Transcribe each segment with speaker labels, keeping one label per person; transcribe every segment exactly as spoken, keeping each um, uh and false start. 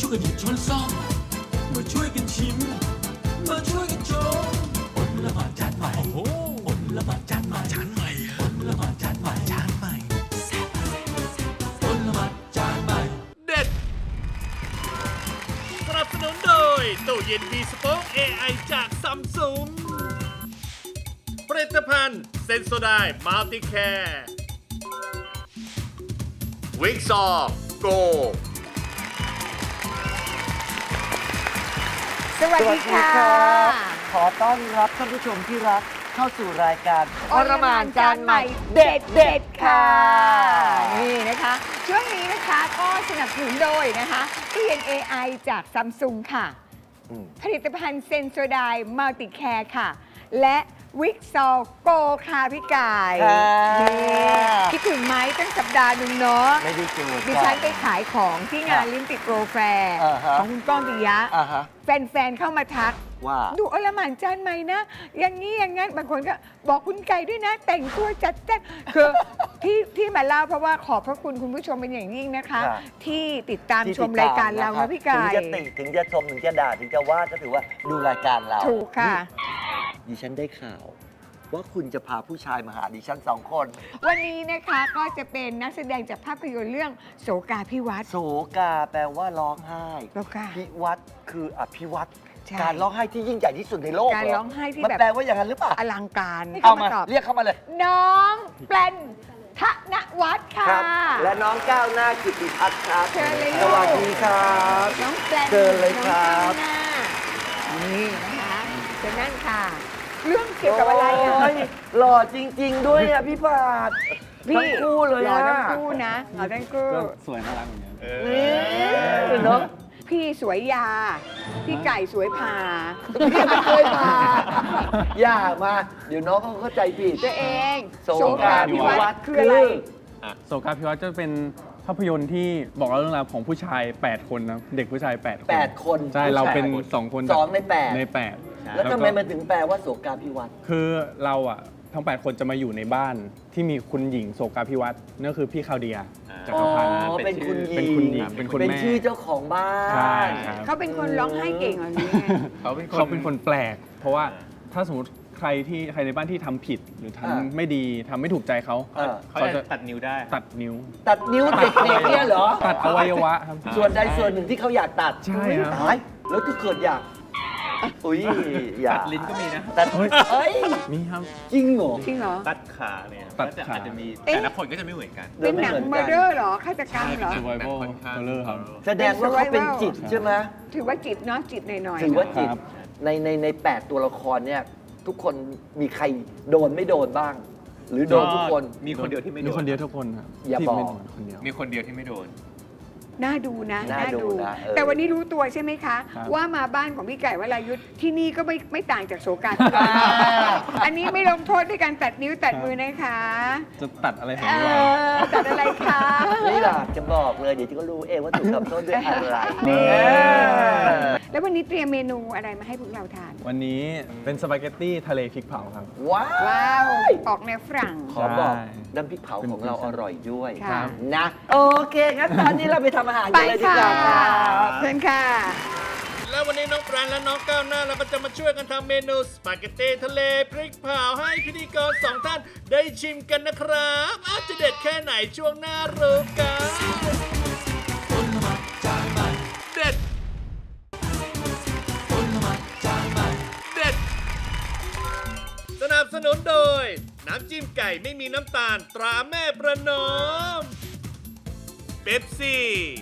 Speaker 1: วยกันหยิบช้อนซ่อมมาช่วยกันชิมมาช่วยกันชมอดละหมาดจานใหม่โอ้โหอดละหมาดจานใหม่จานใหม่อดละหมาดจานใหม่จานใหม่อดละหมาดจานใหม่
Speaker 2: เด็ดสนับสนุนโดยตู้เย็นมีสป็อค เอ ไอ จากซัมซุงผลิตภัณฑ์เซนโซไดมัลติแคร์วิกซอโก
Speaker 3: สวัสดีค่ะ
Speaker 4: ขอต้อนรับท่านผู้ชมที่รักเข้าสู่รายการ
Speaker 3: อรหม่านจานใหม่เด็ดเด็ดค่ะนี่นะคะช่วงนี้นะคะก็สนับสนุนโดยนะคะตู้เย็น เอ ไอ จากซัมซุงค่ะ
Speaker 4: อืม
Speaker 3: ผลิตภัณฑ์เซนโซไดมัลติแคร์ค่ะ และวิกซอโกค่ะพี่กาย
Speaker 4: ค่ะ
Speaker 3: นี่คิดถึงไหมตั้งสัปดาห์หนึงเนาะ
Speaker 4: ไม่ได้เจอ
Speaker 3: ดิฉันไปขายของที่งานลิ้นติดโปรแฟร์
Speaker 4: อ่าฮะ
Speaker 3: ของคุณก้องปิยะ
Speaker 4: อ่าฮะ
Speaker 3: แฟนๆ เข้ามาทัก
Speaker 4: ว่า
Speaker 3: ดูอลหม่านจานใหม่นะ อย่างนี้อย่างนั้นบางคนก็บอกคุณไก่ด้วยนะ แต่งตัวจัดแจ้งคือที่ที่มาเล่าเพราะว่าขอบพระคุณคุณผู้ชมเป็นอย่างยิ่งนะคะ
Speaker 4: ค่ะ
Speaker 3: ที่ติดตาม
Speaker 4: ที่
Speaker 3: ชมรายการเรา
Speaker 4: ติดต
Speaker 3: นะพี่ไก่
Speaker 4: ถึงจะติถึงจะชมถึงจะด่าถึงจะว่าก็ถือว่าดูรายการเรา
Speaker 3: ถูกค่ะ
Speaker 4: ดิฉันได้ข่าว ว่าคุณจะพาผู้ชายมาหาดิฉันสองคน
Speaker 3: วันนี้นะคะก็จะเป็นนักแสดงจากภาพยนตร์เรื่องโสกาพิวัตร
Speaker 4: โศกาแปลว่าร้องไห้
Speaker 3: โศกา
Speaker 4: พิวัตรคืออภิวัตร
Speaker 3: ใช่
Speaker 4: การร้องไห้ที่ยิ่งใหญ่ที่สุดในโลก
Speaker 3: การ
Speaker 4: เ
Speaker 3: ร้องไห้ที่
Speaker 4: มัน
Speaker 3: แบบ
Speaker 4: แปลว่าอย่างนั้นหรือเปล่า
Speaker 3: อลังการ
Speaker 4: เอามา
Speaker 3: ตอบ
Speaker 4: เรียกเข้ามาเลย
Speaker 3: น้องแปลนธนวัฒน์ค่ะ
Speaker 4: ครับ และน้องก้าวหน้ากิติพัฒน์ครับ
Speaker 3: เชิญเลย
Speaker 4: สวัสดีครับ
Speaker 3: น้องแปลน
Speaker 4: เชิญเลยครับ
Speaker 3: น้องก้าวหน้านี่นะคะเชิญนั่นค่ะ เรื่องเกี่ยวกับอะไรอ่ะ
Speaker 4: โยหล่อจริง ๆ ด้วยอ่ะพี่ปาด
Speaker 3: พี่
Speaker 4: ทั้งคู่เลย
Speaker 3: หล่อ
Speaker 4: อ่ะ
Speaker 3: ทั้งคู่นะหล่อทั้งคู่
Speaker 5: ก็สวยน่ารักเหมือนกัน
Speaker 4: นี่เนาะ
Speaker 3: พี่สวยยา พี่ไก่สวยผ่า
Speaker 4: พี่ไม่เคยมาอย่ามา เดี๋ยวน้องเขาเข้าใจผิด
Speaker 3: ตัวเอง
Speaker 4: โสกาภิวัตร
Speaker 3: คืออะไร
Speaker 5: โสกาพิวัตรจะเป็นภาพยนตร์ที่บอกเล่าเรื่องราวของผู้ชาย แปด คนนะเด็กผู้ชาย แปด คน
Speaker 4: แปดคน
Speaker 5: ใช่ เราเป็นสองคน
Speaker 4: สองในแปด
Speaker 5: ในแปด
Speaker 4: แล้วทำไม
Speaker 5: ก็
Speaker 4: มันถึงแปลว่าโสกาภิวัตร
Speaker 5: คือเราอ่ะทั้ง แปด คนจะมาอยู่ในบ้านที่มีคุณหญิงโสกาพิวัตรนั่นคือพี่คาวเดียจั
Speaker 4: อ๋
Speaker 5: กรพันธ์
Speaker 4: อเป็นคุณหญิง
Speaker 5: เป็นคุณหญิงเป็นคุณ
Speaker 4: เป็น
Speaker 5: แม่
Speaker 4: ชื่อเจ้าของบ้าน
Speaker 5: ใช่ครับ
Speaker 3: เขาเป็นคนร้องไห้เก่งเหรอนี่ไง
Speaker 6: เขาเป็นคน
Speaker 5: เขาเป็นคนแปลก เพราะว่าถ้าสมมติใครที่ใครในบ้านที่ทำผิดหรือทำไม่ดีทำไม่ถูกใจเขา
Speaker 4: เออ
Speaker 6: เขาจะตัดนิ้วได้
Speaker 5: ตัดนิ้ว
Speaker 4: ตัดนิ้วเด็กๆเนี่ยเหรอ
Speaker 5: ตัดอวัยวะครับ
Speaker 4: ส่วนใดส่วนหนึ่งที่เขาอยากตัด
Speaker 5: ใช่ครับ
Speaker 4: ตายแล้วถ้าเกิดอยาก อุ้ยอยาก
Speaker 6: ตัดลิ้นก็มีนะ
Speaker 4: ตัดเอ้ย
Speaker 5: มีครับ
Speaker 4: จริงเหรอ
Speaker 3: จริงเหรอ
Speaker 6: ตัดขาเนี่ย
Speaker 5: ตัด
Speaker 6: ก็จะ
Speaker 5: ขา
Speaker 6: อาจจะมี
Speaker 3: เอ๊ะ
Speaker 6: แต่ละคนก็จะไม่เหมือนกัน
Speaker 3: เป็นหนัง
Speaker 4: ไม่เหมื
Speaker 3: เม
Speaker 4: อ
Speaker 3: อน ร์
Speaker 4: กัน
Speaker 3: เดอร์เหรอฆาตกรรมเหรอ
Speaker 5: survival
Speaker 6: ค่อนข้าง
Speaker 5: horror ครับ
Speaker 4: แสดงว่าเขาเป็นจิตใช่ไหม
Speaker 3: ถือว่าจิตเนาะจิตหน่อยๆ
Speaker 4: ถือว่า
Speaker 3: เนอะ
Speaker 4: จิต
Speaker 5: ครับ
Speaker 4: ในในในแปดตัวละครเนี่ย ทุกคนมีใครโดนไม่โดนบ้าง หรือโดนทุกคน
Speaker 6: มีคนเดียวที่ไม่โด
Speaker 5: มี
Speaker 6: น
Speaker 5: คนเดียวทุกคนครับ
Speaker 4: อย่า
Speaker 5: ที่
Speaker 4: บอก
Speaker 5: ไม่โดนคนเดียว
Speaker 6: มีคนเดียวที่ไม่โดน
Speaker 3: น่าดูนะ
Speaker 4: น่าดูนะเออ
Speaker 3: แต่วันนี้รู้ตัวใช่ไหมคะ
Speaker 5: ครับ
Speaker 3: ว่ามาบ้านของพี่ไก่วรายุทธ์ที่นี่ก็ไม่ไม่ต่างจากโสกาพิวัตรอันนี้ไม่ลงโทษด้วยการตัดนิ้วตัดมือนะคะ
Speaker 5: จะตัดอะไรของ
Speaker 3: เอ
Speaker 5: เรา
Speaker 3: อตัดอะไรคะ
Speaker 4: ไม่อยากจะบอกเลย เดี๋ยวจะก็รู้เองว่าถูกทำโทษด้วยอะไร
Speaker 3: นี่
Speaker 4: เออ
Speaker 3: แล้ววันนี้เตรียมเมนูอะไรมาให้พวกเราทาน
Speaker 5: วันนี้เป็นสปาเกตตี้ทะเลพริกเผาครับ
Speaker 4: ว้า
Speaker 3: ว้าว วออกแนวฝรั่ง
Speaker 4: ขอบอก
Speaker 5: ใช่
Speaker 4: น้ำพริกเผาของเราอร่อยด้วย
Speaker 3: ค่ะ
Speaker 4: นะ โอเค งั้นตอนนี้เราไปทำอาหาร
Speaker 3: ไป
Speaker 4: กันเลยดี
Speaker 3: ค่ะ
Speaker 4: กว่าครับ
Speaker 3: เชิญค่ะ
Speaker 2: แล้ววันนี้น้องปรานและน้องก้าวหน้าเราก็จะมาช่วยกันทำเมนูสปาเกตตี้ทะเลพริกเผาให้พิธีกรสองท่านได้ชิมกันนะครับอาจจะเด็ดแค่ไหนช่วงหน้ารู้กันเด็ดเด็ด สนับสนุนโดย น้ำจิ้มไก่ไม่มีน้ำตาลตราแม่ประนอมเป๊ปซี่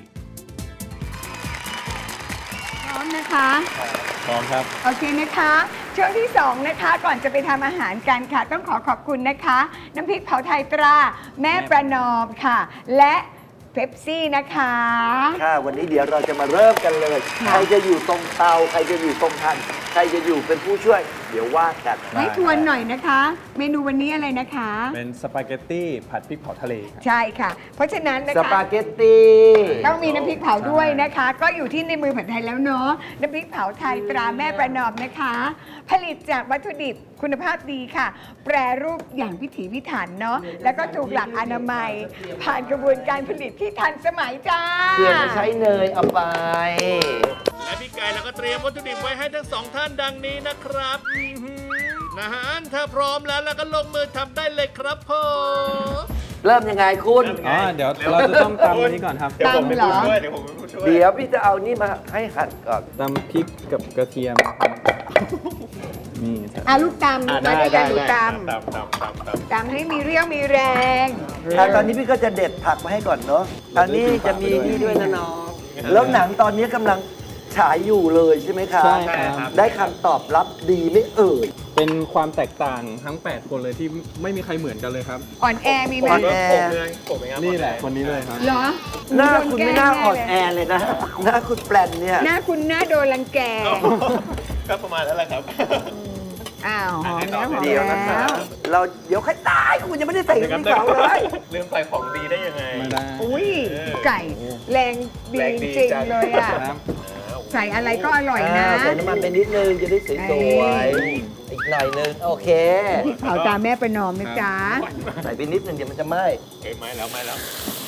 Speaker 3: พร้อมนะคะ
Speaker 5: พร้อมครับ
Speaker 3: โอเคนะคะ ช่วงที่สองนะคะ ก่อนจะไปทำอาหารกันค่ะ ต้องขอขอบคุณนะคะ น้ำพริกเผาไทยตรา แม่ประนอมค่ะ และเป๊ปซี่นะคะ
Speaker 4: ค่ะ วันนี้เดี๋ยวเราจะมาเริ่มกันเลย
Speaker 3: ค่ะ
Speaker 4: ใครจะอยู่ตรงเตา ใครจะอยู่ตรงทัน ใครจะอยู่เป็นผู้ช่วย
Speaker 7: เดี๋ยวว่ากัน
Speaker 3: ให้ทวนหน่อยนะคะ เมนูวันนี้อะไรนะคะ
Speaker 5: เป็นสปาเกตตี้ผัดพริกเผาทะเลครับ
Speaker 3: ใช่ค่ะ เพราะฉะนั้นนะ
Speaker 7: ส
Speaker 3: คะ
Speaker 7: ปาเกตตี้
Speaker 3: ต้องมีน้ำพริกเผาด้วยนะคะ ก็อยู่ที่ในมือผัดไทยแล้วเนาะน้ำพริกเผาไทยตราแม่ประนอมนะคะ ผลิตจากวัตถุดิบคุณภาพดีค่ะ แปรรูปอย่างพิถีพิถันเนาะแล้วก็ถูกหลักอนามัย ผ่านกระบวนการผลิตที่ทันสมัยจ้า
Speaker 7: เพื่อไม่ใช้เนยเอาไป
Speaker 2: และพี่ไก่เราก็เตรียมวัตถุดิบไว้ให้ทั้งสองท่านดังนี้นะครับอื้อหือนะฮะถ้าพร้อมแล้วเราก็ลงมือทำได้เลยครับผม
Speaker 7: เริ่มยังไงคุณ
Speaker 5: อ๋อ เดี๋ยวเราจะต้องตำอันนี้ก่อนครับ
Speaker 6: เดี๋ยวผมเป็น
Speaker 3: ตำเหร
Speaker 6: ผู้
Speaker 3: อ
Speaker 6: ช่วย เดี๋ยวผมเป็นผู้ช่วย
Speaker 7: เดี๋ยวพี่จะเอานี่มาให้หั่นก่อน
Speaker 5: ตำพริกกับกระเทียมครับนี่ครับ
Speaker 3: อาลูกตำ
Speaker 6: อ่ะ
Speaker 3: มา
Speaker 6: ได้
Speaker 3: ด้วยกั
Speaker 6: ได้
Speaker 3: นดู
Speaker 6: ได้
Speaker 3: ต
Speaker 6: ตำตำตำตำ
Speaker 3: ำตำให้มีเรี่ยวมีแรง
Speaker 7: อ่ะตอนนี้พี่ก็จะเด็ดผักมาให้ก่อนเนาะอันนี้จะมีนี่ด้วยนะน้อง แล้วหนังตอนนี้กำลังฉายอยู่เลยใช่ไหมคะ
Speaker 5: ใช่ครับ
Speaker 7: ได้คำตอบรับดีไม่เอ่ย
Speaker 5: เป็นความแตกต่างทั้ง แปด คนเลยที่ไม่มีใครเหมือนกันเลยครับ
Speaker 3: อ่อนแอมีไหม
Speaker 7: อ่อนแอ
Speaker 6: ผมเลยผมเองครับ
Speaker 5: นี่แหละคนนี้เลยครับ
Speaker 3: เหรอ
Speaker 7: หน้าคุณไม่น่าอ่อนแอเลยนะ หน้าคุณแปลนเนี่ย
Speaker 3: หน้าคุณหน้าโดนรังแก
Speaker 6: ก็ประมาณนั้นแหละครับ
Speaker 3: อ้าวหอมแล้วหอม
Speaker 7: เดี๋ยวนะ
Speaker 3: แล้
Speaker 7: คะ
Speaker 3: ว
Speaker 7: เราเดี๋ยวค่อยตายคุณยังไม่ได้ใส่พริกเผาเลย
Speaker 6: ลืมใส่ของดีได้ยังไง
Speaker 5: ไม่ได้
Speaker 3: อุ้ยไก่แรงดี
Speaker 6: แรงดี
Speaker 3: จริง
Speaker 6: จัง
Speaker 3: เลยอ่ะ
Speaker 5: ครับ
Speaker 3: ใส่อะไรก็อร่อยนะ
Speaker 7: อ่าใส่น้ำมันไปนิดนึงจะได้ส
Speaker 3: เอ้
Speaker 7: วย
Speaker 3: ย
Speaker 7: ๆอีกหน่อยนึงโอเค
Speaker 3: พริกเผาตามแม่ประนอมนะจ๊ะ
Speaker 7: ใส่ไปนิดนึงเดี๋ยวมันจะไหม้
Speaker 6: เอ้ยไม่แล้วไม่แล้ว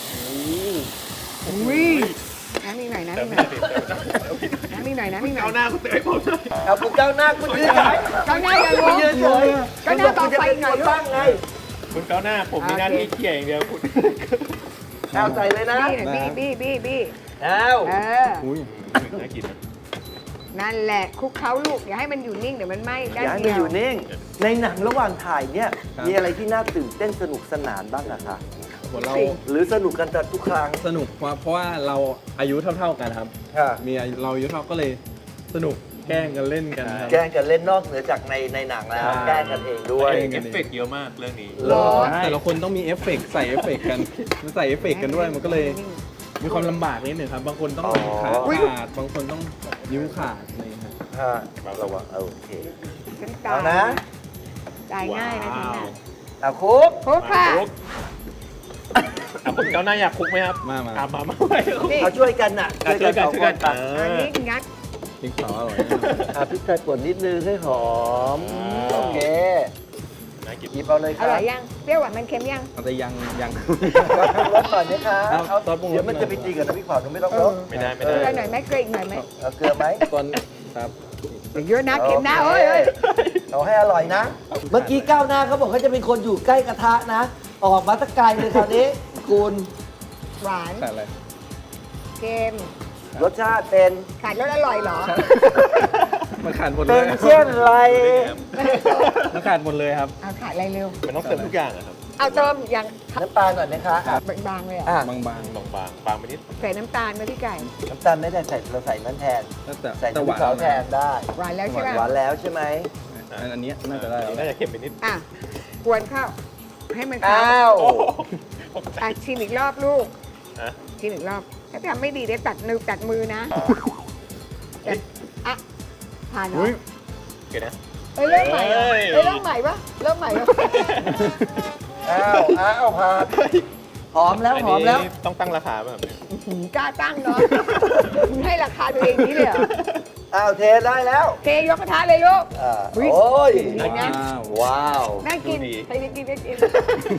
Speaker 3: อุ้ยน้ำอีกหน่อยน้ำ
Speaker 6: เติ
Speaker 3: อี
Speaker 6: ม
Speaker 3: กห
Speaker 6: ไม่
Speaker 3: น่อย
Speaker 6: ได้เติมไม่ได้
Speaker 3: น้ำอีกหน่อยน้ำอีกหน่อย
Speaker 6: เอาหน้าคุณเตยผมหน่อย
Speaker 7: เอาคุณเจ้าหน้าคุณยืนเฉย
Speaker 3: ก็หน้าอย่าง
Speaker 7: คุณ
Speaker 3: ง
Speaker 7: ยืนเฉย
Speaker 3: ก็หน้าต่อไปหน่อยลู
Speaker 7: ตั้
Speaker 3: ก
Speaker 7: งไง
Speaker 6: คุณเก้าหน้าผมมีหน้าที่เขี่ยอย่างเดียวคุณ
Speaker 7: เอาใส่เลยนะ
Speaker 3: บี้หน่อยบี้บี้บี้บี้
Speaker 7: เอา
Speaker 3: เออ
Speaker 5: อุ้ย
Speaker 6: น่ากินนะ
Speaker 3: นั่นแหละคลุกเคล้าลูกอย่าให้มันอยู่นิ่งเดี๋ยวมันไหม้
Speaker 7: อ
Speaker 3: ด้า
Speaker 7: ย่าน ให้
Speaker 3: เดี
Speaker 7: มัน
Speaker 3: ยว
Speaker 7: อยู่นิ่ง ในหนังระหว่างถ่ายเนี่ย มีอะไรที่น่าตื่นเต้นสนุกสนานบ้างอะคะ
Speaker 5: ผมเรา
Speaker 7: หรือสนุกกันแต่ทุกครั้ง
Speaker 5: สนุกเพราะเพราะว่าเราอายุเท่า ๆกันครับ
Speaker 7: ค่ะ
Speaker 5: มีอายุเราอายุเท่าก็เลยสนุกแกล้งกันเล่นกันครับ
Speaker 7: แกล้งกันเล่นนอกเหนือจากในในหนังแล้ว
Speaker 5: ใช่
Speaker 7: แกล้งกันเองด้วย
Speaker 5: แกล้ง
Speaker 6: เอฟเฟกต์เยอะมากเรื่องนี้
Speaker 7: เหรอ
Speaker 5: แต่ละคนต้องมีเอฟเฟกต์ใส่เอฟเฟกต์กันมันใส่เอฟเฟกต์กันด้วยมันก็เลยมีความลำบากนิดหนึ่งครับ บางคนต้อง
Speaker 7: อ๋อ
Speaker 5: ขาขาดบางคนต้องนิ้วขาดอะไรอย่างเงี้ยครับ
Speaker 7: ฮะระวังโอเค
Speaker 3: ฉันตา
Speaker 7: เอา
Speaker 3: ย
Speaker 7: นะ
Speaker 3: ตายง่ายนะฉันน่ะ
Speaker 7: เอาคุก
Speaker 3: คลุกค่ะ
Speaker 6: คุกอ่ะคุณเก้าหน้าอยากคุกไหมครับ
Speaker 5: มามา
Speaker 6: อ่ะมามาไป
Speaker 3: นี่
Speaker 7: เอาช่วยกันน่ะ
Speaker 6: อ่ะช่วยกัน
Speaker 7: สอง
Speaker 6: ช่วย
Speaker 7: ค
Speaker 6: กัน
Speaker 7: นตัด
Speaker 6: เอ
Speaker 3: อัน
Speaker 6: อ
Speaker 3: นี้งัด
Speaker 5: พริกเผาอร่อยแน่นอน
Speaker 7: อ่ะพริกไทยป่นนิดนึงให้หอม โอเค
Speaker 6: น่ากิน
Speaker 7: หยิบเอาเลยค
Speaker 3: อ
Speaker 7: รับ
Speaker 3: ร่อยยังเปรี้ยวหวานมันเค็มยัง
Speaker 5: แต่ยังยัง
Speaker 7: รสก่อนนะคะ
Speaker 5: เอา
Speaker 7: เอา
Speaker 5: ซอสปรุงรส
Speaker 7: เดี๋ยวมันจะไปตีกับน้ำพริกเผาหนูไม่ต้องรส
Speaker 6: ไม่ได้ไม่
Speaker 3: เก
Speaker 6: ได้
Speaker 3: ลือหน่อยไหมเกลืออีกหน่อยไหม
Speaker 7: เอาเกลือไหม
Speaker 5: ตอนครับ
Speaker 3: อย่าเยอะนะเค็มนะเอ้ยเอ้ย
Speaker 7: เอาให้อร่อยนะ เมื่อกี้ก้าวหน้าเขาบอกเขาจะเป็นคนอยู่ใกล้กระทะนะ ออกมาตะไกลเลยคราวนี้คุณ
Speaker 3: หวาน
Speaker 5: ใส่อะไร
Speaker 3: เค็ม
Speaker 7: รสชาติเป็น
Speaker 3: ขาดรสอร่อยเหรอ
Speaker 5: มันขาดหมดเล
Speaker 7: เป็น
Speaker 5: ย
Speaker 7: เช่นไร
Speaker 5: มันขาดหมดเลยครับ
Speaker 3: เอาขาดอะไรเร็ว
Speaker 6: มันต้องเติมทุกอย่างอะครับ
Speaker 3: เอาเติมอย่าง
Speaker 7: น้ำตาลหน่อยนะคะอ่ะ
Speaker 3: บางๆเลยเหร
Speaker 7: อ่ะ
Speaker 3: อ่ะ
Speaker 5: บาง
Speaker 6: บางบางบางบางไปนิด
Speaker 3: ใส่น้ำตาลไหมพี่ไก่
Speaker 7: น้ำตาลไม่ได้ใส่เราใส่นั้นแทน
Speaker 5: ๆแล้วแต่
Speaker 7: ใส่
Speaker 5: แต่
Speaker 7: น้ำ
Speaker 5: ห
Speaker 7: พริ
Speaker 5: วาก น
Speaker 7: เผาแทนได้
Speaker 3: หวานแล้วใช่ไหม
Speaker 7: หวานแล้วใช่ไหม
Speaker 5: อันนี้น่าจะได้แล้ว
Speaker 6: น่าจะเค็มไปนิด
Speaker 3: อ่ะกวนข้าวให้มัน
Speaker 7: อ้า
Speaker 3: เข้าว
Speaker 6: โอ้โหตกใจ
Speaker 3: อ่ะชิมอีกรอบลูก
Speaker 6: ฮะ
Speaker 3: ชิมอีกรอบ ถ้าทำไม่ดีเดี๋ยวตัดมือตัดมือนะแต่อ่ะผ่านเหรอ
Speaker 5: อุ๊ย
Speaker 6: เกิดนะ
Speaker 3: เอ้ยเริ่มใหม่เหรอ
Speaker 6: เอ้ย
Speaker 3: เอ้ยเริ่มใหม่ปะเริ่มใหม่ปะ
Speaker 7: อ้าวอ้าวพาหอมแล้วหอมแล้ว
Speaker 6: นนี้ต้องตั้งราคาแบบนี้
Speaker 3: อื้อหือกล้าตั้งเนาะมึงให้ราคาตัวเองนี้เลยเหรอ
Speaker 7: อ้าวเทได้แล้ว
Speaker 3: เทยกกระทะเลยลูก
Speaker 7: อ่า
Speaker 3: อุ๊ย
Speaker 7: โอ้ย
Speaker 3: ดีนะ
Speaker 7: ว้าว
Speaker 3: น่ากินใครจะกินก็กิน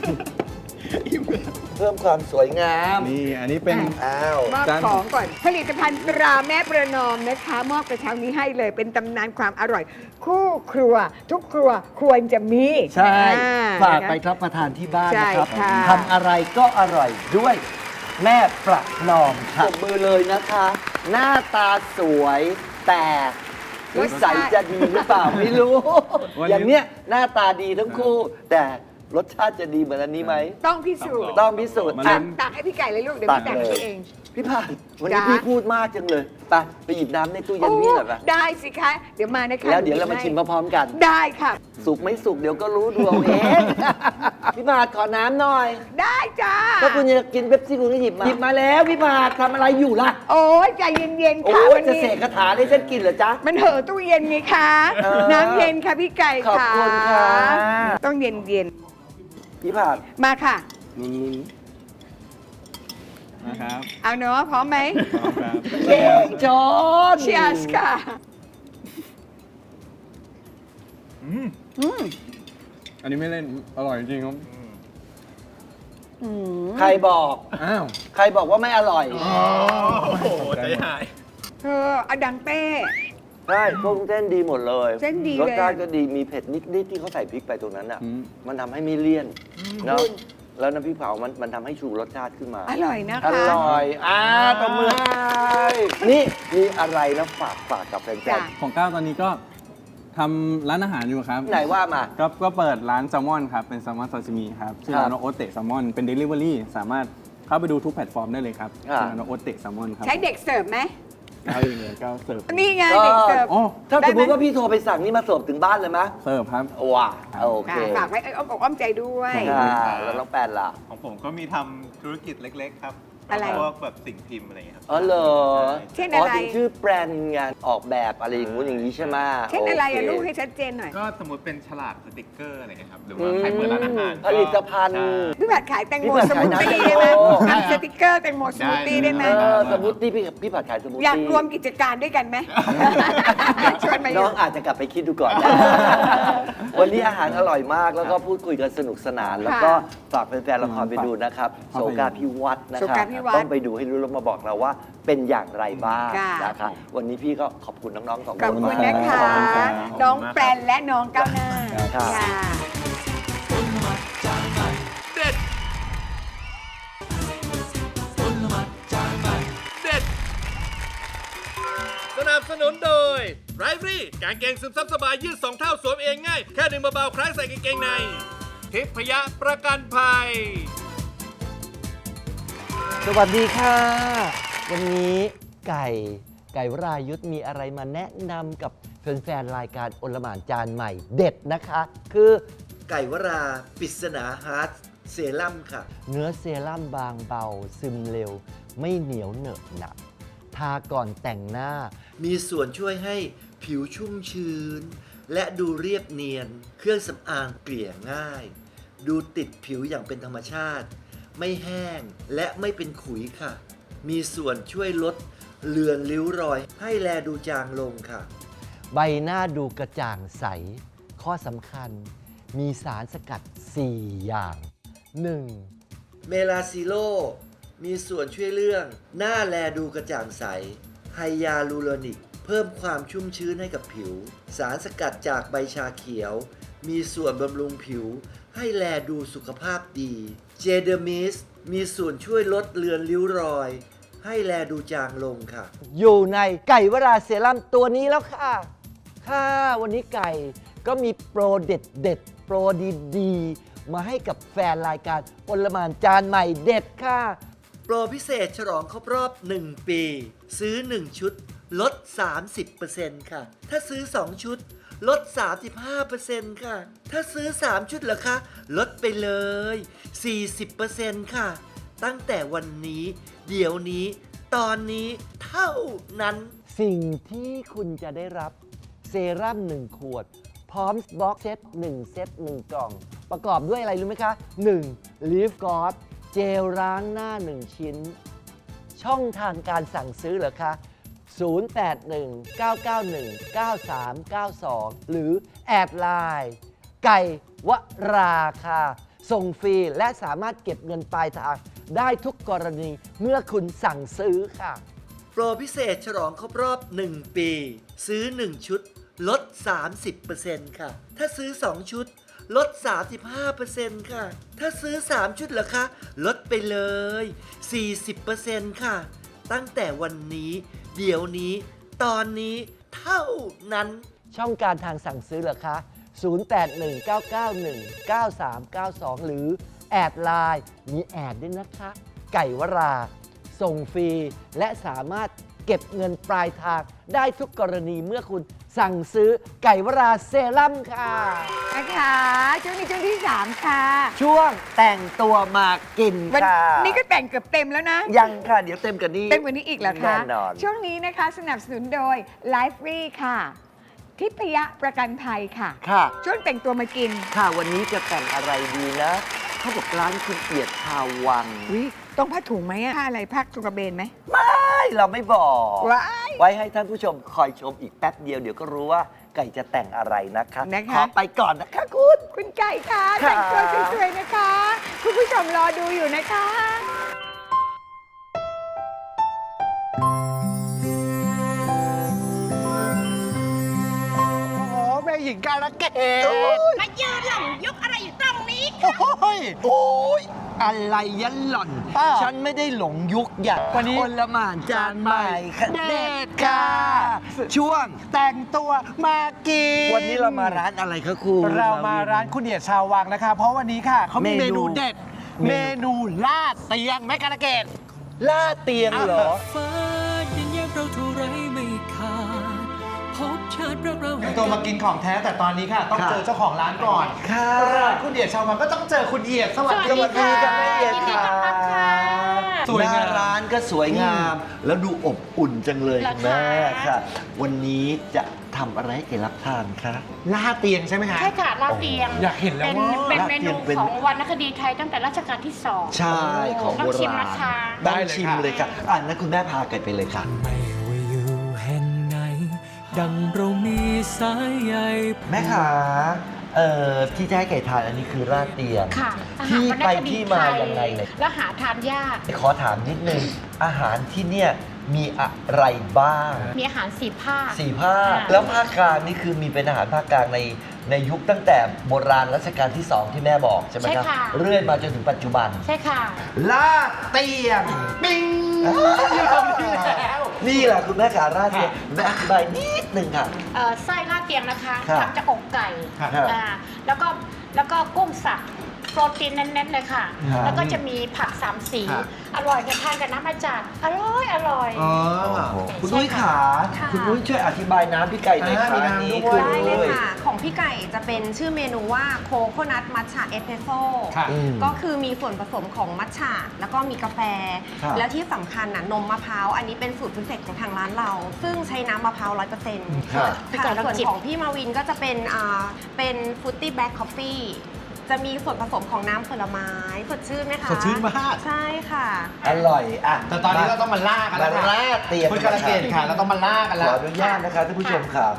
Speaker 7: เพิ่มความสวยงาม
Speaker 5: นี่อันนี้เป็น
Speaker 7: อ้าว
Speaker 3: มอบ
Speaker 5: จาน
Speaker 3: ของก่อน ผลิตภัณฑ์ตราแม่ประนอมนะคะ มอบกระเช้านี้ให้เลยเป็นตำนานความอร่อย คู่ครัว ทุกครัวควรจะมี
Speaker 7: ใช่
Speaker 3: อ่
Speaker 7: ฝากไป
Speaker 3: นะคะ
Speaker 7: รับประทานที่บ้าน
Speaker 3: ใช่
Speaker 7: นะครับ
Speaker 3: ค่ะ
Speaker 7: ทำอะไรก็อร่อยด้วยแม่ประนอมค่ะปรบมือเลยนะคะ หน้าตาสวยแต่นิสัยจะดีหรือเปล่าไม่รู้
Speaker 5: วันนี้
Speaker 7: อย่างเนี้ยหน้าตาดีทั้งคู่ แต่รสชาติจะดีเหมือนอันนี้ไหม
Speaker 3: ต้องพิสูจน์
Speaker 7: ต้องพิสูจน์
Speaker 5: มา
Speaker 3: ตั
Speaker 5: เล่
Speaker 3: ก
Speaker 5: น
Speaker 3: ตักให้พี่ไก่เลยลูกเดี๋ยว
Speaker 7: ตัก
Speaker 3: พี่ตัก
Speaker 7: เลย
Speaker 3: ให้เอง
Speaker 7: พี่พานวันนี้
Speaker 3: จ๊ะ
Speaker 7: พี่พูดมากจังเลยไปไปหยิบน้ำในตู้เย็น
Speaker 3: โอ้
Speaker 7: พี่หน่อยไป
Speaker 3: ได้สิคะ เดี๋ยวมานะคะ
Speaker 7: แล้วเดี๋ยวเรามาชิมพร้อมๆกัน
Speaker 3: ได้ค่ะ
Speaker 7: สุกไม่สุกเดี๋ยวก็รู้ดูเอาเอง พี่พาดขอน้ำหน่อย
Speaker 3: ได้จ้า
Speaker 7: ถ้าคุณจะกินเป๊ปซี่คุณก็หยิบมา หยิบมาแล้วพี่พาดทำอะไรอยู่ล่ะ
Speaker 3: โอ้ยใจเย็นๆ
Speaker 7: โอ้
Speaker 3: ค่ะ
Speaker 7: ย
Speaker 3: วัน
Speaker 7: จะ
Speaker 3: นี้
Speaker 7: เสกคาถาให้ฉันกินเหรอจ๊ะ
Speaker 3: มันเห่อะตู้เย็นไงคะ
Speaker 7: เออ
Speaker 3: น้ำเย็นค่ะพี่ไก่
Speaker 7: ขอบ
Speaker 3: ค่ะ
Speaker 7: คุณค่ะ
Speaker 3: ต้องเย็นเย็น
Speaker 7: พี่พาด
Speaker 3: ๆมาค่ะ
Speaker 5: ลุ้นๆนะครับ
Speaker 3: เอาเนาะพร้อมไหม
Speaker 5: พร้อมครับ
Speaker 7: เก่งจอน
Speaker 3: เชียร์ค่ะ
Speaker 5: อันนี้ไม่เล่น อร่อยจริงครับ
Speaker 3: อืม
Speaker 7: ใครบอก
Speaker 5: อ้าว
Speaker 7: ใครบอกว่าไม่อร่อย
Speaker 6: โอ้โหใจหาย
Speaker 3: เธออดังเต้
Speaker 7: ใช่พวกเส้นดีหมดเลย
Speaker 3: เส้นดี
Speaker 7: รส
Speaker 3: เลย
Speaker 7: ชาติก็ดีมีเผ็ดนิดๆที่เขาใส่พริกไปตรงนั้นอ่ะ
Speaker 5: อืม
Speaker 7: มันทำให้ไม่เลี่ยนเนาะแล้วน้ำพริกเผามันมันทำให้ชูรสชาติขึ้นมา
Speaker 3: อร่อยนะ
Speaker 7: อ
Speaker 3: คะ
Speaker 7: ร่อย อ่าตบมือให้นี่มีอะไรนะฝากฝากกับแฟ
Speaker 3: จ้ะ
Speaker 7: น
Speaker 5: ของก้าวตอนนี้ก็ทำร้านอาหารอยู่ครับ
Speaker 7: ๆไหนว่ามา
Speaker 5: ก็ก็เปิดร้านแซลมอนครับ เป็นแซลมอนซาซิมิครับ ชื่อร้าน
Speaker 7: ครับ
Speaker 5: ว่าโอเตะแซลมอน เป็น Delivery สามารถเข้าไปดูทุกแพลตฟอร์มได้เลยครับ
Speaker 7: ครับ
Speaker 5: ชื่อร้านว่าโอเตะแซลมอนครับ
Speaker 3: ใช้เด็กเสิร์ฟไหม
Speaker 5: เอาเองเลยก้าวเสิร์ฟ
Speaker 3: นี่ไงเด็กเสิร์ฟ
Speaker 5: โอ้
Speaker 7: ถ้าสมมติ
Speaker 3: ได้ไหม
Speaker 7: ว่าพี่โทรไปสั่งนี่มาเสิร์ฟถึงบ้านเลยไหม
Speaker 5: เสิร์ฟครับ
Speaker 7: ว้าโอเค
Speaker 3: ค่ะฝากไว้เอ้ยอ้อมอกอ้อมใจด้วย
Speaker 7: ค่ะแล้วน้องแปนล่ะ
Speaker 6: ของผมก็มีทำธุรกิจเล็ก ๆ ครับ
Speaker 3: อะไร
Speaker 6: พวกแบบสิ่งพิมพ์อะไรอย่างเงี้ยครับ
Speaker 7: อ๋อเหรอ
Speaker 3: เช่น
Speaker 7: อ๋อ
Speaker 3: อะไร
Speaker 7: ถึงชื่อแบรนด์งานออกแบบอะไรอย่างงู้นอย่างนี้ใช่ไหม
Speaker 3: เช่นอะไรอะ
Speaker 7: โค
Speaker 3: ลูกให้ชัดเจนหน่อย
Speaker 6: ก็สมมติเป็นฉลากสติกเกอร์อะไรเงี้ยครับ หรือว่าใครเปิดร้านอาหาร
Speaker 7: ผลิตภัณฑ์
Speaker 6: ใช่
Speaker 3: พี่ผัดขายแตงโม
Speaker 7: พี่ผัด
Speaker 3: ส
Speaker 7: ขาย
Speaker 3: มูทตี้
Speaker 7: น้ำ
Speaker 3: ได้ไหม
Speaker 7: แตงโม
Speaker 3: ทำสติกเกอร์แตงโมสมูทตี้ได้ไหม
Speaker 7: เออสมมติที่พี่พี่ผัดขายสมูทตี้
Speaker 3: อยากรวมกิจการด้วยกันไหม ชวนมาอ
Speaker 7: น้อยู่ งอาจจะกลับไปคิดดูก่อน วันนี้อาหารอร่อยมากแล้วก็พูดคุยกันสนุกสนาน แล้วก็ฝากแฟนๆละครไปดูนะครับ
Speaker 5: ครับ
Speaker 7: โสกาพิวัตรนะค
Speaker 3: โส
Speaker 7: รับ
Speaker 3: กาพิวัตร
Speaker 7: ต้องไปดูให้รู้แล้วมาบอกเราว่าเป็นอย่างไรบ้าง
Speaker 3: ค่ะ
Speaker 7: นะครับวันนี้พี่ก็ขอบคุณน้องๆสองคน
Speaker 3: ขอบคุณนะคะ
Speaker 7: ขอบคุณครับ
Speaker 3: น้องแปรนและน้องก้าวหน้า
Speaker 7: ครับ
Speaker 3: ค่ะ
Speaker 2: เด็ดเด็ดสนับสนุนโดยไรฟรี่กางเกงซึมซับสบายยืดสองเท่าสวมเองง่าย แค่ดึงเบาๆคล้ายใส่กางเกงในทิพยะประกันภัย
Speaker 7: สวัสดีค่ะ วันนี้ไก่ไก่วรายุทธมีอะไรมาแนะนำกับแฟนๆรายการโอลหม่านจานใหม่เด็ดนะคะ คือไก่วราปริศนาฮาร์ดเซรั่มค่ะ เนื้อเซรั่มบางเบาซึมเร็ว ไม่เหนียวเหนอะหนักทาก่อนแต่งหน้า มีส่วนช่วยให้ผิวชุ่มชื้น และดูเรียบเนียน เครื่องสำอางเกลี่ยง่าย ดูติดผิวอย่างเป็นธรรมชาติ ไม่แห้งและไม่เป็นขุยค่ะ มีส่วนช่วยลดเลือนริ้วรอย ให้แลดูจางลงค่ะ ใบหน้าดูกระจ่างใส ข้อสำคัญ มีสารสกัด สี่ อย่าง หนึ่ง เมลาซิโล มีส่วนช่วยเรื่อง หน้าแลดูกระจ่างใส ไฮยาลูโรนิก เพิ่มความชุ่มชื้นให้กับผิว สารสกัดจากใบชาเขียว มีส่วนบำรุงผิว ให้แลดูสุขภาพดี เจเดอร์มิส มีส่วนช่วยลดเลือนริ้วรอย ให้แลดูจางลงค่ะ อยู่ในไก่วราเซรั่มตัวนี้แล้วค่ะ ค่ะ วันนี้ไก่ก็มีโปรเด็ดเด็ดๆโปรดีๆ มาให้กับแฟนรายการโอลหม่านจานใหม่เด็ดค่ะ โปรพิเศษฉลองครบรอบ หนึ่ง ปี ซื้อ หนึ่ง ชุด ลด สามสิบเปอร์เซ็นต์ ค่ะ ถ้าซื้อ สอง ชุด ลด สามสิบห้าเปอร์เซ็นต์ ค่ะ ถ้าซื้อ สาม ชุดเหรอคะ ลดไปเลย สี่สิบเปอร์เซ็นต์ ค่ะ ตั้งแต่วันนี้ เดี๋ยวนี้ ตอนนี้เท่านั้น สิ่งที่คุณจะได้รับเซรั่มหนึ่งขวด พร้อมบล็อกเซตหนึ่งเซตหนึ่งกล่อง ประกอบด้วยอะไรรู้ไหมคะ หนึ่ง Leaf God เจลล้างหน้า หนึ่ง ชิ้น ช่องทางการสั่งซื้อเหรอคะ ศูนย์ แปด หนึ่ง เก้า เก้า หนึ่ง เก้า สาม เก้า สอง หรือแอดไลน์ไก่วราค่ะ ส่งฟรีและสามารถเก็บเงินปลายทางได้ทุกกรณีเมื่อคุณสั่งซื้อค่ะ โปรพิเศษฉลองครบรอบ หนึ่ง ปี ซื้อ หนึ่ง ชุด ลด สามสิบเปอร์เซ็นต์ ค่ะ ถ้าซื้อ สอง ชุด ลด สามสิบห้าเปอร์เซ็นต์ ค่ะ ถ้าซื้อ สาม ชุดเหรอคะ ลดไปเลย สี่สิบเปอร์เซ็นต์ ค่ะ ตั้งแต่วันนี้ เดี๋ยวนี้ ตอนนี้ เท่านั้น ช่องการทางสั่งซื้อเหรอคะศูนย์ แปด หนึ่ง เก้า เก้า หนึ่ง เก้า สาม เก้า สอง หรือแอดไลน์มีแอดด้วยนะคะ ไก่วรา ส่งฟรี และสามารถเก็บเงินปลายทางได้ทุกกรณีเมื่อคุณสั่งซื้อไก่วราเซรั่มค่ะ
Speaker 3: นะคะช่วงนี้ช่วงที่สามค่ะ
Speaker 7: ช่วงแต่งตัวมากิน
Speaker 3: วัน
Speaker 7: ค่ะ
Speaker 3: นี้ก็แต่งเกือบเต็มแล้วนะ
Speaker 7: ยังค่ะ เดี๋ยวเต็มกันนี้
Speaker 3: เต็มกว่านี้อีกเหรอคะ
Speaker 7: แน่นอน
Speaker 3: ช่วงนี้นะคะสนับสนุนโดย Life Free ค่ะ ทิพยประกันภัยค่ะ
Speaker 7: ค่ะ
Speaker 3: ช่วงแต่งตัวมากิน
Speaker 7: ค่ะวันนี้จะแต่งอะไรดีนะเขาบอกร้านคุณเอียดชาววัง
Speaker 3: วิต้องผ้าถุงไหมอะผ้าอะไรผ้าตุกระเบนไหม
Speaker 7: ไม่เราไม่บอก
Speaker 3: ว้าย
Speaker 7: ไว้ให้ท่านผู้ชมคอยชมอีกแป๊บเดียวเดี๋ยวก็รู้ว่าไก่จะแต่งอะไรนะคะ
Speaker 3: นะคะ
Speaker 7: ขอไปก่อนนะคะคุณ
Speaker 3: คุณไก่ค่ะ
Speaker 7: ค่ะ
Speaker 3: แต่งตัวสวยๆนะคะ คุณผู้ชมรอดูอยู่นะคะ
Speaker 6: โอ้โหแม่หญิงการะเกด
Speaker 8: มายืนหลังยกอะไรอยู่ตรงนี้
Speaker 6: โอ้ย
Speaker 7: โอ้ยอะไรยันหล่อน
Speaker 6: อ้าว
Speaker 7: ฉันไม่ได้หลงยุคอยาก
Speaker 6: วันนี้
Speaker 7: คนละหมานจานใหม่ค่ะ
Speaker 6: เด็
Speaker 7: เด็
Speaker 6: ด
Speaker 7: ด
Speaker 6: ค่ะ
Speaker 7: ค่ะ ช่วง
Speaker 6: แต่งตัวมากิน
Speaker 7: วันนี้เรามาร้านอะไรคะคุณ
Speaker 6: เรามาร้านคุณเอียดชาววังนะคะ เพราะวันนี้ค่ะเขามี
Speaker 7: เม
Speaker 6: เม
Speaker 7: นู
Speaker 6: นูเด็ด
Speaker 7: เมนู
Speaker 6: เมนูลาดเตียงแม่การะเกด
Speaker 7: ล่าเตียงเหรอ
Speaker 1: ฟ้ายังแยกเราเท่าไรไม่ขาดพบชาติรักเรา
Speaker 6: แต่งตัวมากินของแท้แต่ตอนนี้ค่ะ ต้อง
Speaker 7: ค่ะ
Speaker 6: เจอเจ้าของร้านก่อน
Speaker 7: ค่ะ
Speaker 6: ร้านคุณเอียดชาววังก็ต้องเจอคุณเอียดสวัส
Speaker 7: ส
Speaker 6: ดี
Speaker 7: วัสดี
Speaker 6: ค่ะ
Speaker 7: ค่ะแม่เอียด
Speaker 8: ยินดี
Speaker 7: ค่ะ
Speaker 8: ต้อนรับค่ะ
Speaker 6: สวยงาม
Speaker 7: หน้ร้านก็สวยงาม แล้วดูอบอุ่นจังเลย
Speaker 8: เหรอ
Speaker 7: คุณแม่
Speaker 8: คะ
Speaker 7: ค่ะ วันนี้จะทำอะไรให้แกรับทานคะ
Speaker 6: ลาดเตียงใช่ไหมคะ
Speaker 8: ใช่ค่ะลาดเตียง
Speaker 6: อยากเห็นแล้ว
Speaker 8: เป็น
Speaker 6: ว่า
Speaker 8: เป็นเมนู
Speaker 7: ลาดเตียงเป็น
Speaker 8: ของวรรณคดีไทยตั้งแต่รัชกาลที่สอง
Speaker 7: ใช่ของโบ
Speaker 8: ต้องชิม
Speaker 7: ราณ
Speaker 8: นะคะ
Speaker 6: ได้
Speaker 7: ต้อง
Speaker 6: เลย
Speaker 7: ชิม
Speaker 6: ค่ะ
Speaker 7: เลยค่ะอ่านั้นคุณแม่พาไก่ไปเลยค่ะ
Speaker 1: ไม่ว่าอยู่แห่งไหน ดังเรามีสายใย
Speaker 7: แม่ขาเอ่อที่จะให้ไก่ทานอันนี้คือราดเตียง
Speaker 8: ค่ะอาหาร
Speaker 7: ที่
Speaker 8: วรรณ
Speaker 7: ไป
Speaker 8: คดี
Speaker 7: ที่
Speaker 8: ไท
Speaker 7: มาย ยังไงเลย
Speaker 8: แล้วหาทานยาก
Speaker 7: ขอถามนิดนึง อาหารที่เนี่ยมีอะไรบ้าง
Speaker 8: มีอาหารสี่ภาค
Speaker 7: สี่ภาค
Speaker 8: ค่ะ
Speaker 7: แล้วภาคกลางนี่คือมีเป็นอาหารภาคกลางในในยุคตั้งแต่โบราณรัชกาลที่สองที่แม่บอกใช่ไหมครับ
Speaker 8: ใช่ค่ะ
Speaker 7: เรื่อยมาจนถึงปัจจุบัน
Speaker 8: ใช่ค่ะ
Speaker 7: ลาดเตียง
Speaker 6: ปิ้งอยู่ตรงนี้แล้ว
Speaker 7: นี่แหละคุณแม่ขาราดเตียงแม่อธิบายนิดนึงค่ะ
Speaker 8: เอ่อไส้ลาดเตียงนะคะ
Speaker 7: ครับ
Speaker 8: ทำจากอกไก่
Speaker 7: ครับ
Speaker 8: อ่าแล้วก็แล้วก็กุ้งสับโปรตีนเน้นๆเลยค่ะ
Speaker 7: ครับ
Speaker 8: แล้วก็จะมีผักสามสี
Speaker 6: ครับ
Speaker 8: อร่อยกันทานกับน้ำอาจารย์อร่อยอร่อย
Speaker 6: อ๋อ
Speaker 7: คุณนุ้ยขา
Speaker 8: ค่ะ
Speaker 7: คุณนุ้ยช่วยอธิบายน้ำพี่ไก่หน่อย
Speaker 6: อ่า
Speaker 7: ค่ะ
Speaker 6: มีน้ำ
Speaker 7: อันนี้
Speaker 6: ด้วย
Speaker 7: คือ
Speaker 9: ได้เลยค่ะ ของพี่ไก่จะเป็นชื่อเมนูว่าโคโคนัทมัทฉะเอสเปรสโซ่
Speaker 6: ค่ะ
Speaker 7: อืม
Speaker 9: ก็คือมีส่วนผสมของมัทฉะแล้วก็มีกาแฟ
Speaker 7: ครับ
Speaker 9: แล้วที่สำคัญน่ะนมมะพร้าว อันนี้เป็นสูตรพิเศษของทางร้านเรา ซึ่งใช้น้ำมะพร้าวร้อยเปอร์เซ็นต์
Speaker 7: ครับ
Speaker 8: พี่ไก่ลอง
Speaker 9: ส่วน
Speaker 8: จิบ
Speaker 9: ของพี่มาวินก็จะเป็นอ่าเป็นฟรุตตี้แบล็คคอฟฟี่จะมีส่วนผสมของน้ำผลไม้สดชื่นไหมคะ
Speaker 6: สดชื่นมาก
Speaker 9: ใช่ค่ะ
Speaker 7: อร่อยอ่ะ
Speaker 6: แต่ตอนนี้เราต้องมาล่ากันแล้ว
Speaker 7: มา
Speaker 6: ค่ะ
Speaker 7: ล่าเตียง
Speaker 6: คุณการะเกดค่ะ เราต้องมาล่ากัน
Speaker 7: ข
Speaker 6: แล้
Speaker 7: อ
Speaker 6: ว
Speaker 7: อนุญาตนะคะท่านผู้ชมค่ะ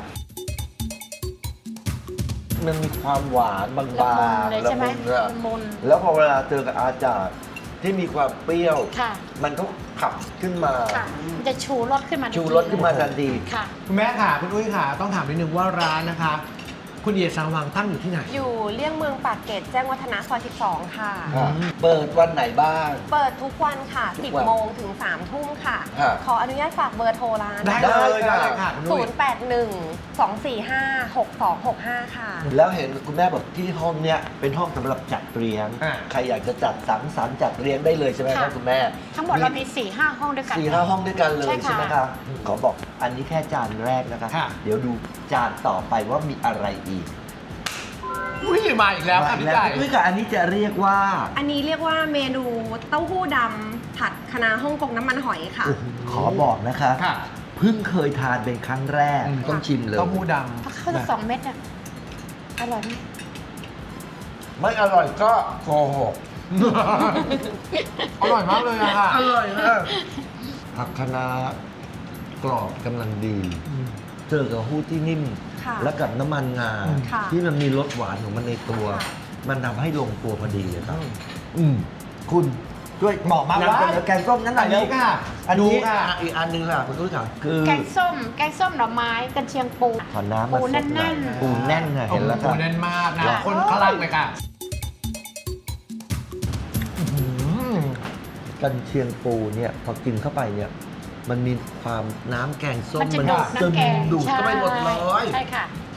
Speaker 7: มันมีความหวานบาง
Speaker 8: ละมุน
Speaker 7: ๆ
Speaker 8: เลยใช่ไหม
Speaker 7: ละมุนอะ
Speaker 8: ละมุน
Speaker 7: แล้วพอเวลาเจอกับอาจารย์ที่มีความเปรี้ยว
Speaker 8: ค่ะ
Speaker 7: มันก็ขับขึ้นมา
Speaker 8: ค่ะมันจะชูรสขึ้นมาทันที
Speaker 7: ชูรสขึ้นมาทันที
Speaker 8: ค่ะ
Speaker 6: คุณแม่ค่ะ คุณอุ้ยค่ะ ต้องถามนิดนึงว่าร้านนะคะ คุณเอียดชาววังตั้งอยู่ที่ไหน
Speaker 9: อยู่เลี่ยงเมืองปากเกร็ดแจ้งวัฒนะซอยสิบสองค่ะ
Speaker 7: ค่ะเปิดวันไหนบ้าง
Speaker 9: เปิดทุกวันค่ะ
Speaker 7: ทุ
Speaker 9: สิ
Speaker 7: ก
Speaker 9: บ
Speaker 7: วัน
Speaker 9: โมงถึงสามทุ่มค่ะ
Speaker 7: ครับ
Speaker 9: ขออนุญาตฝากเบอร์โทรร้าน
Speaker 6: ได้
Speaker 7: ได้
Speaker 6: เลย
Speaker 7: ค่ะ
Speaker 6: ได้เลยค่ะคุณอุ้ย
Speaker 9: ศูนย์ แปด หนึ่ง สอง สี่ ห้า หก สอง หก ห้า ค่ะ
Speaker 7: แล้วเห็นคุณแม่บอกที่ห้องเนี้ยเป็นห้องสำหรับจัดเลี้ยง
Speaker 6: อ่า
Speaker 7: ใครอยากจะจัดสังสรรค์จัดเลี้ยงได้เลยใช่ไหมครับ
Speaker 8: ค่ะ
Speaker 7: คุณแม่
Speaker 8: ทั้งหมดเรามีสี่ห้าห้องด้วยกัน
Speaker 7: สี่ห้าห้องด้วยกันเลย
Speaker 8: ใช่ค่ะ
Speaker 7: ใช่ไหมครับขอบอกอันนี้แค่จานแรกนะคะ
Speaker 6: ค่ะ
Speaker 7: เดี๋ยวดูจานต่อไปว่ามีอะไรอีก
Speaker 6: อุ้ยมาอีกแล้วค่ะพี่ไก่
Speaker 7: ด้วยกับอันนี้จะเรียกว่า
Speaker 9: อันนี้เรียกว่าเมนูเต้าหู้ดำผัดคะน้าฮ่องกงน้ำมันหอยค่ะ
Speaker 7: ขอบอกนะคะ
Speaker 6: ค่ะ
Speaker 7: เพิ่งเคยทานเป็นครั้งแรก
Speaker 6: อืม
Speaker 7: ต้องชิมเลย
Speaker 6: เต้าหู้ด
Speaker 8: ถ้าเข้าจะสองเม็ดอ่ะอร่อยไหม
Speaker 7: ไม่อร่อยก็โกหก
Speaker 6: ำอร่อยมากเลยอะค่ะ
Speaker 7: อร่อยมากผักคะน้ากรอบกำลังดี เจอกับหู้ที่นิ่ม
Speaker 9: ค่ะ
Speaker 7: แล้วกับน้ำมันงา
Speaker 9: ค่ะ
Speaker 7: ที่มันมีรสหวานของมันในตัว
Speaker 9: ค่ะ
Speaker 7: มันทำให้ลงตัวพอดีเลยครับ อืมคุณช่วย
Speaker 6: บอกมาว่า
Speaker 7: นำเสนอแกงส้มนั้นหน่อย
Speaker 6: อันนี้
Speaker 7: เร็ว
Speaker 6: ค่ะ
Speaker 7: อัน
Speaker 6: ดู
Speaker 7: นี้
Speaker 6: ค่ะ
Speaker 7: อ่ะอีกอันหนึงค่ะคุณตุ้ยค่ะคือ
Speaker 8: แกงส้ม แกงส้มหน่อไม้กันเชียงปู
Speaker 7: ขอน้ำมา
Speaker 8: ปู
Speaker 7: สดห
Speaker 8: แน่
Speaker 7: อย
Speaker 8: น
Speaker 7: ปูแน่นค่ะเห็นแล้ว
Speaker 6: โอ้
Speaker 7: ค่ะ
Speaker 6: โหแน่นมากนะ
Speaker 8: ค่ะ
Speaker 6: คนคลั่งเลยค่ะ
Speaker 7: กันเชียงปูเนี่ยพอกินเข้าไปเนี่ย มันมีความน้ำแกงส้ม
Speaker 8: มันจะดูด
Speaker 7: ซึม
Speaker 8: น้ำแกง
Speaker 7: ดูดเข้าไปหมดเลย
Speaker 8: ใช่ค่ะ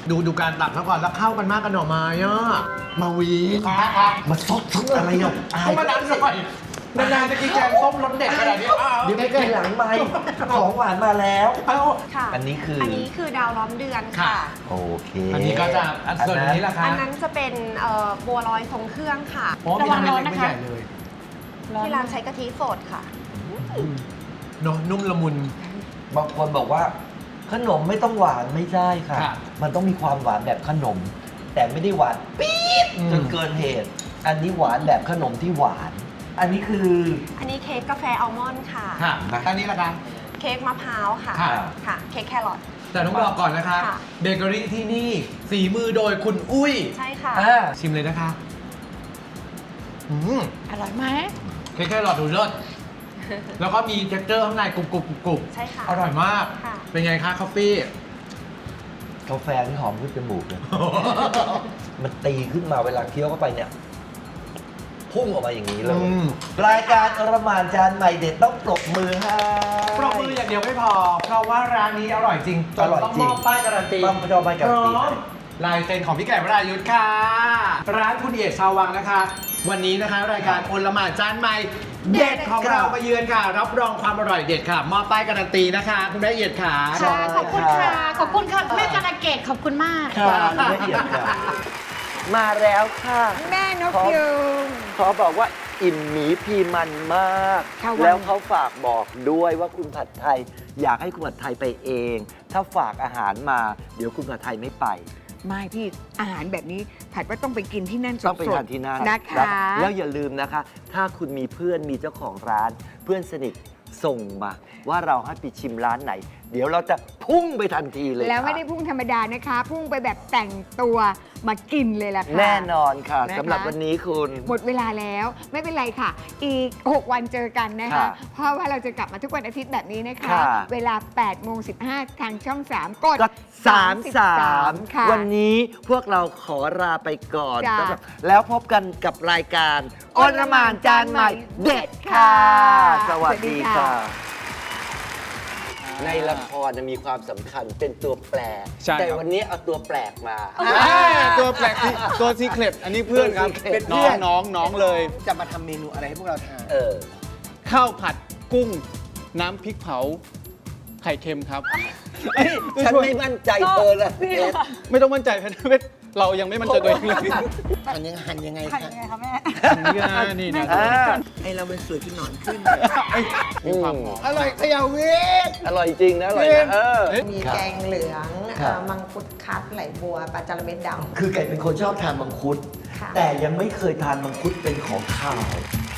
Speaker 6: ดูดูการตักแล้วก่อนแล้วเข้ากันมากกันหน่อไม้อ่ะ
Speaker 7: มาวีน
Speaker 6: ครับ
Speaker 7: มาซดซดอะไรอ่ะอาย
Speaker 6: เข้ามาดันหน่อยนานๆจะกินแกงส้มรสเด็ดขนาดนี้อ้าว
Speaker 7: เดี๋ยวไปกินหลังไม่ของหวานมาแล้ว
Speaker 6: เอา
Speaker 9: ค่ะ
Speaker 7: อันนี้คืออั
Speaker 9: นนี้คือดาวล้อมเดือน
Speaker 6: ค่ะ
Speaker 9: ค่ะ
Speaker 7: โอเค
Speaker 6: อันนี้ก็จะอันส่วนอันนี้ล่ะคะ
Speaker 9: อันนั้นจะเป็นเอ่อบัวลอยทรงเครื่องค่ะ
Speaker 6: โอ้มีทั้งเม็ดเล็กไม่ใหญ่เลย
Speaker 9: ที่ร้านใช้กะทิสดค่ะ
Speaker 6: เนอะนุ่มละมุน
Speaker 7: บางคนบอกว่า ขนมไม่ต้องหวานไม่ใช่ค่ะ
Speaker 6: ค่ะ
Speaker 7: มันต้องมีความหวานแบบขนม แต่ไม่ได้หวานปี๊ด
Speaker 6: อืม
Speaker 7: จนเกินเหตุ อันนี้หวานแบบขนมที่หวาน อันนี้คือ
Speaker 9: อันนี้เค้กกาแฟอัลมอนด์ค่ะ
Speaker 6: ค่ะอันนี้ล่ะคะ
Speaker 9: เค้กมะพร้าวค่ะ
Speaker 6: ค่ะ
Speaker 9: ค่ะ เค้กแครอท
Speaker 6: แต่ต้องบอกก่อนนะคะ
Speaker 9: ค่ะ
Speaker 6: เบเกอรี่ที่นี่ฝีมือโดยคุณอุ้ย
Speaker 9: ใช่ค่ะ
Speaker 6: อ่าชิมเลยนะคะอืม
Speaker 3: อร่อยไหม
Speaker 6: เค้กแครอทดูเลิศแล้วก็มีเท็กเจอร์ข้างในกรุบกรุบกรุบกรุบ
Speaker 9: ใช่ค่ะ
Speaker 6: อร่อยมาก
Speaker 9: ค่ะ
Speaker 6: เป็นไงคะคอฟฟี่
Speaker 7: กาแฟที่หอมขึ้นจมูกเลย มันตีขึ้นมาเวลาเคี้ยวเข้าไปเนี่ย พุ่งออกมาอย่างนี้เลย
Speaker 6: อืม
Speaker 7: รายการอรหมานจานใหม่เด็ดต้องปรบมือให้
Speaker 6: ปรบมืออย่างเดียวไม่พอ เพราะว่าร้านนี้อร่อยจริงจน
Speaker 7: อร่อย
Speaker 6: ต้อง
Speaker 7: จริ
Speaker 6: ม
Speaker 7: ง
Speaker 6: อบป้ายการันตี
Speaker 7: ต้องมอบป้ายการันตี
Speaker 6: พร้อมลายเซ็นของพี่ไก่วรายุทธ์ค่ะ ร้านคุณเอียดชาววังนะคะ วันนี้นะคะ รายการโอละหมาดจานใหม่ เด็ดของเรามาเยือนค่ะ รับรองความอร่อยเด็ดค่ะ มอบป้ายการันตีนะคะ คุณแม่เอียดค่ะ
Speaker 8: ค่ะ ขอบคุณค่ะ ขอบคุณค่ะ แม่การะเกดขอบคุณมาก
Speaker 7: ค่ะละเอียดค่ะมาแล้วค่ะ
Speaker 3: แม่นก
Speaker 7: ขอ
Speaker 3: ยูง
Speaker 7: ขอบอกว่าอิ่มหมีพีมันมาก
Speaker 3: ค่ะวัน
Speaker 7: แล้วเขาฝากบอกด้วยว่าคุณผัดไทย อยากให้คุณผัดไทยไปเอง ถ้าฝากอาหารมา เดี๋ยวคุณผัดไทยไม่ไป
Speaker 3: ไม่พี่อาหารแบบนี้ผัดว่าต้องไปกินที่นั่นสดๆ
Speaker 7: ต้องไปทานที่นั่น
Speaker 3: นะคะ
Speaker 7: แล้วอย่าลืมนะคะ ถ้าคุณมีเพื่อนมีเจ้าของร้าน เพื่อนสนิทส่งมา ว่าเราให้ไปชิมร้านไหน เดี๋ยวเราจะพุ่งไปทันทีเลย
Speaker 3: แล้วไม่
Speaker 7: ค่ะ
Speaker 3: ได้พุ่งธรรมดานะคะ พุ่งไปแบบแต่งตัวมากินเลยล่ะค่ะ
Speaker 7: แน่นอนค่ะ
Speaker 3: นะคะ
Speaker 7: สำหรับวันนี้คุณ
Speaker 3: หมดเวลาแล้วไม่เป็นไรค่ะ อีก หก วันเจอกันนะคะ
Speaker 7: ค่ะ
Speaker 3: เพราะว่าเราจะกลับมาทุกวันอาทิตย์แบบนี้นะคะ
Speaker 7: ค่ะ
Speaker 3: เวลา แปดโมงสิบห้า ทางช่อง สาม กด
Speaker 7: ก็สามสาม
Speaker 3: ค่ะ
Speaker 7: วันนี้พวกเราขอลาไปก่อน
Speaker 3: จ้ะ
Speaker 7: สำหรับแล้วพบกันกับรายการอลหมานจานใหม่เด็ดค่ะ สวัสดีค่ะ ในละครจะมีความสำคัญเป็นตัวแปร
Speaker 5: ใช่ครับ
Speaker 7: แต่วันนี้เอาตัวแปลกมา
Speaker 5: ตัวแปลกที่ตัวซีเครตอันนี้เพื่อนครับ
Speaker 7: ตัว secret
Speaker 5: เป็นน้องน้องน้องเลย
Speaker 10: จะมาทำเมนูอะไรให้พวกเราทาน
Speaker 7: เออ
Speaker 5: ข้าวผัดกุ้ง น้ำพริกเผา ไข่เค็มครับเอ้ย
Speaker 7: ฉัน
Speaker 5: ช่วย
Speaker 7: ไม่มั่นใจเธอเลยเพชร
Speaker 5: ไม่ต้องมั่นใจเพชรเพชรเรายังไม่มั่นใจตัวเองเลย
Speaker 10: หั่นยังหั่นยังไง
Speaker 9: หั่น
Speaker 10: คะ
Speaker 9: ยังไงคะแม่
Speaker 5: นี่นะนี่นะ
Speaker 7: อ่า
Speaker 10: ไอเราเป็นสวยที่หนอนขึ้น
Speaker 5: มีความหอม
Speaker 10: อร่อยเขยาวิก
Speaker 7: อร่อยจริงนะ อร่อยนะเออ
Speaker 9: มี
Speaker 7: ครับ
Speaker 9: แกงเหลือง
Speaker 7: ครับ
Speaker 9: เอ่อมังคุดคัดไหลบัวปลาจาระเม็ดดำ
Speaker 7: คือไก่เป็นคนชอบทานมังคุด
Speaker 9: ค่ะ
Speaker 7: แต่ยังไม่เคยทานมังคุดเป็นของข้าว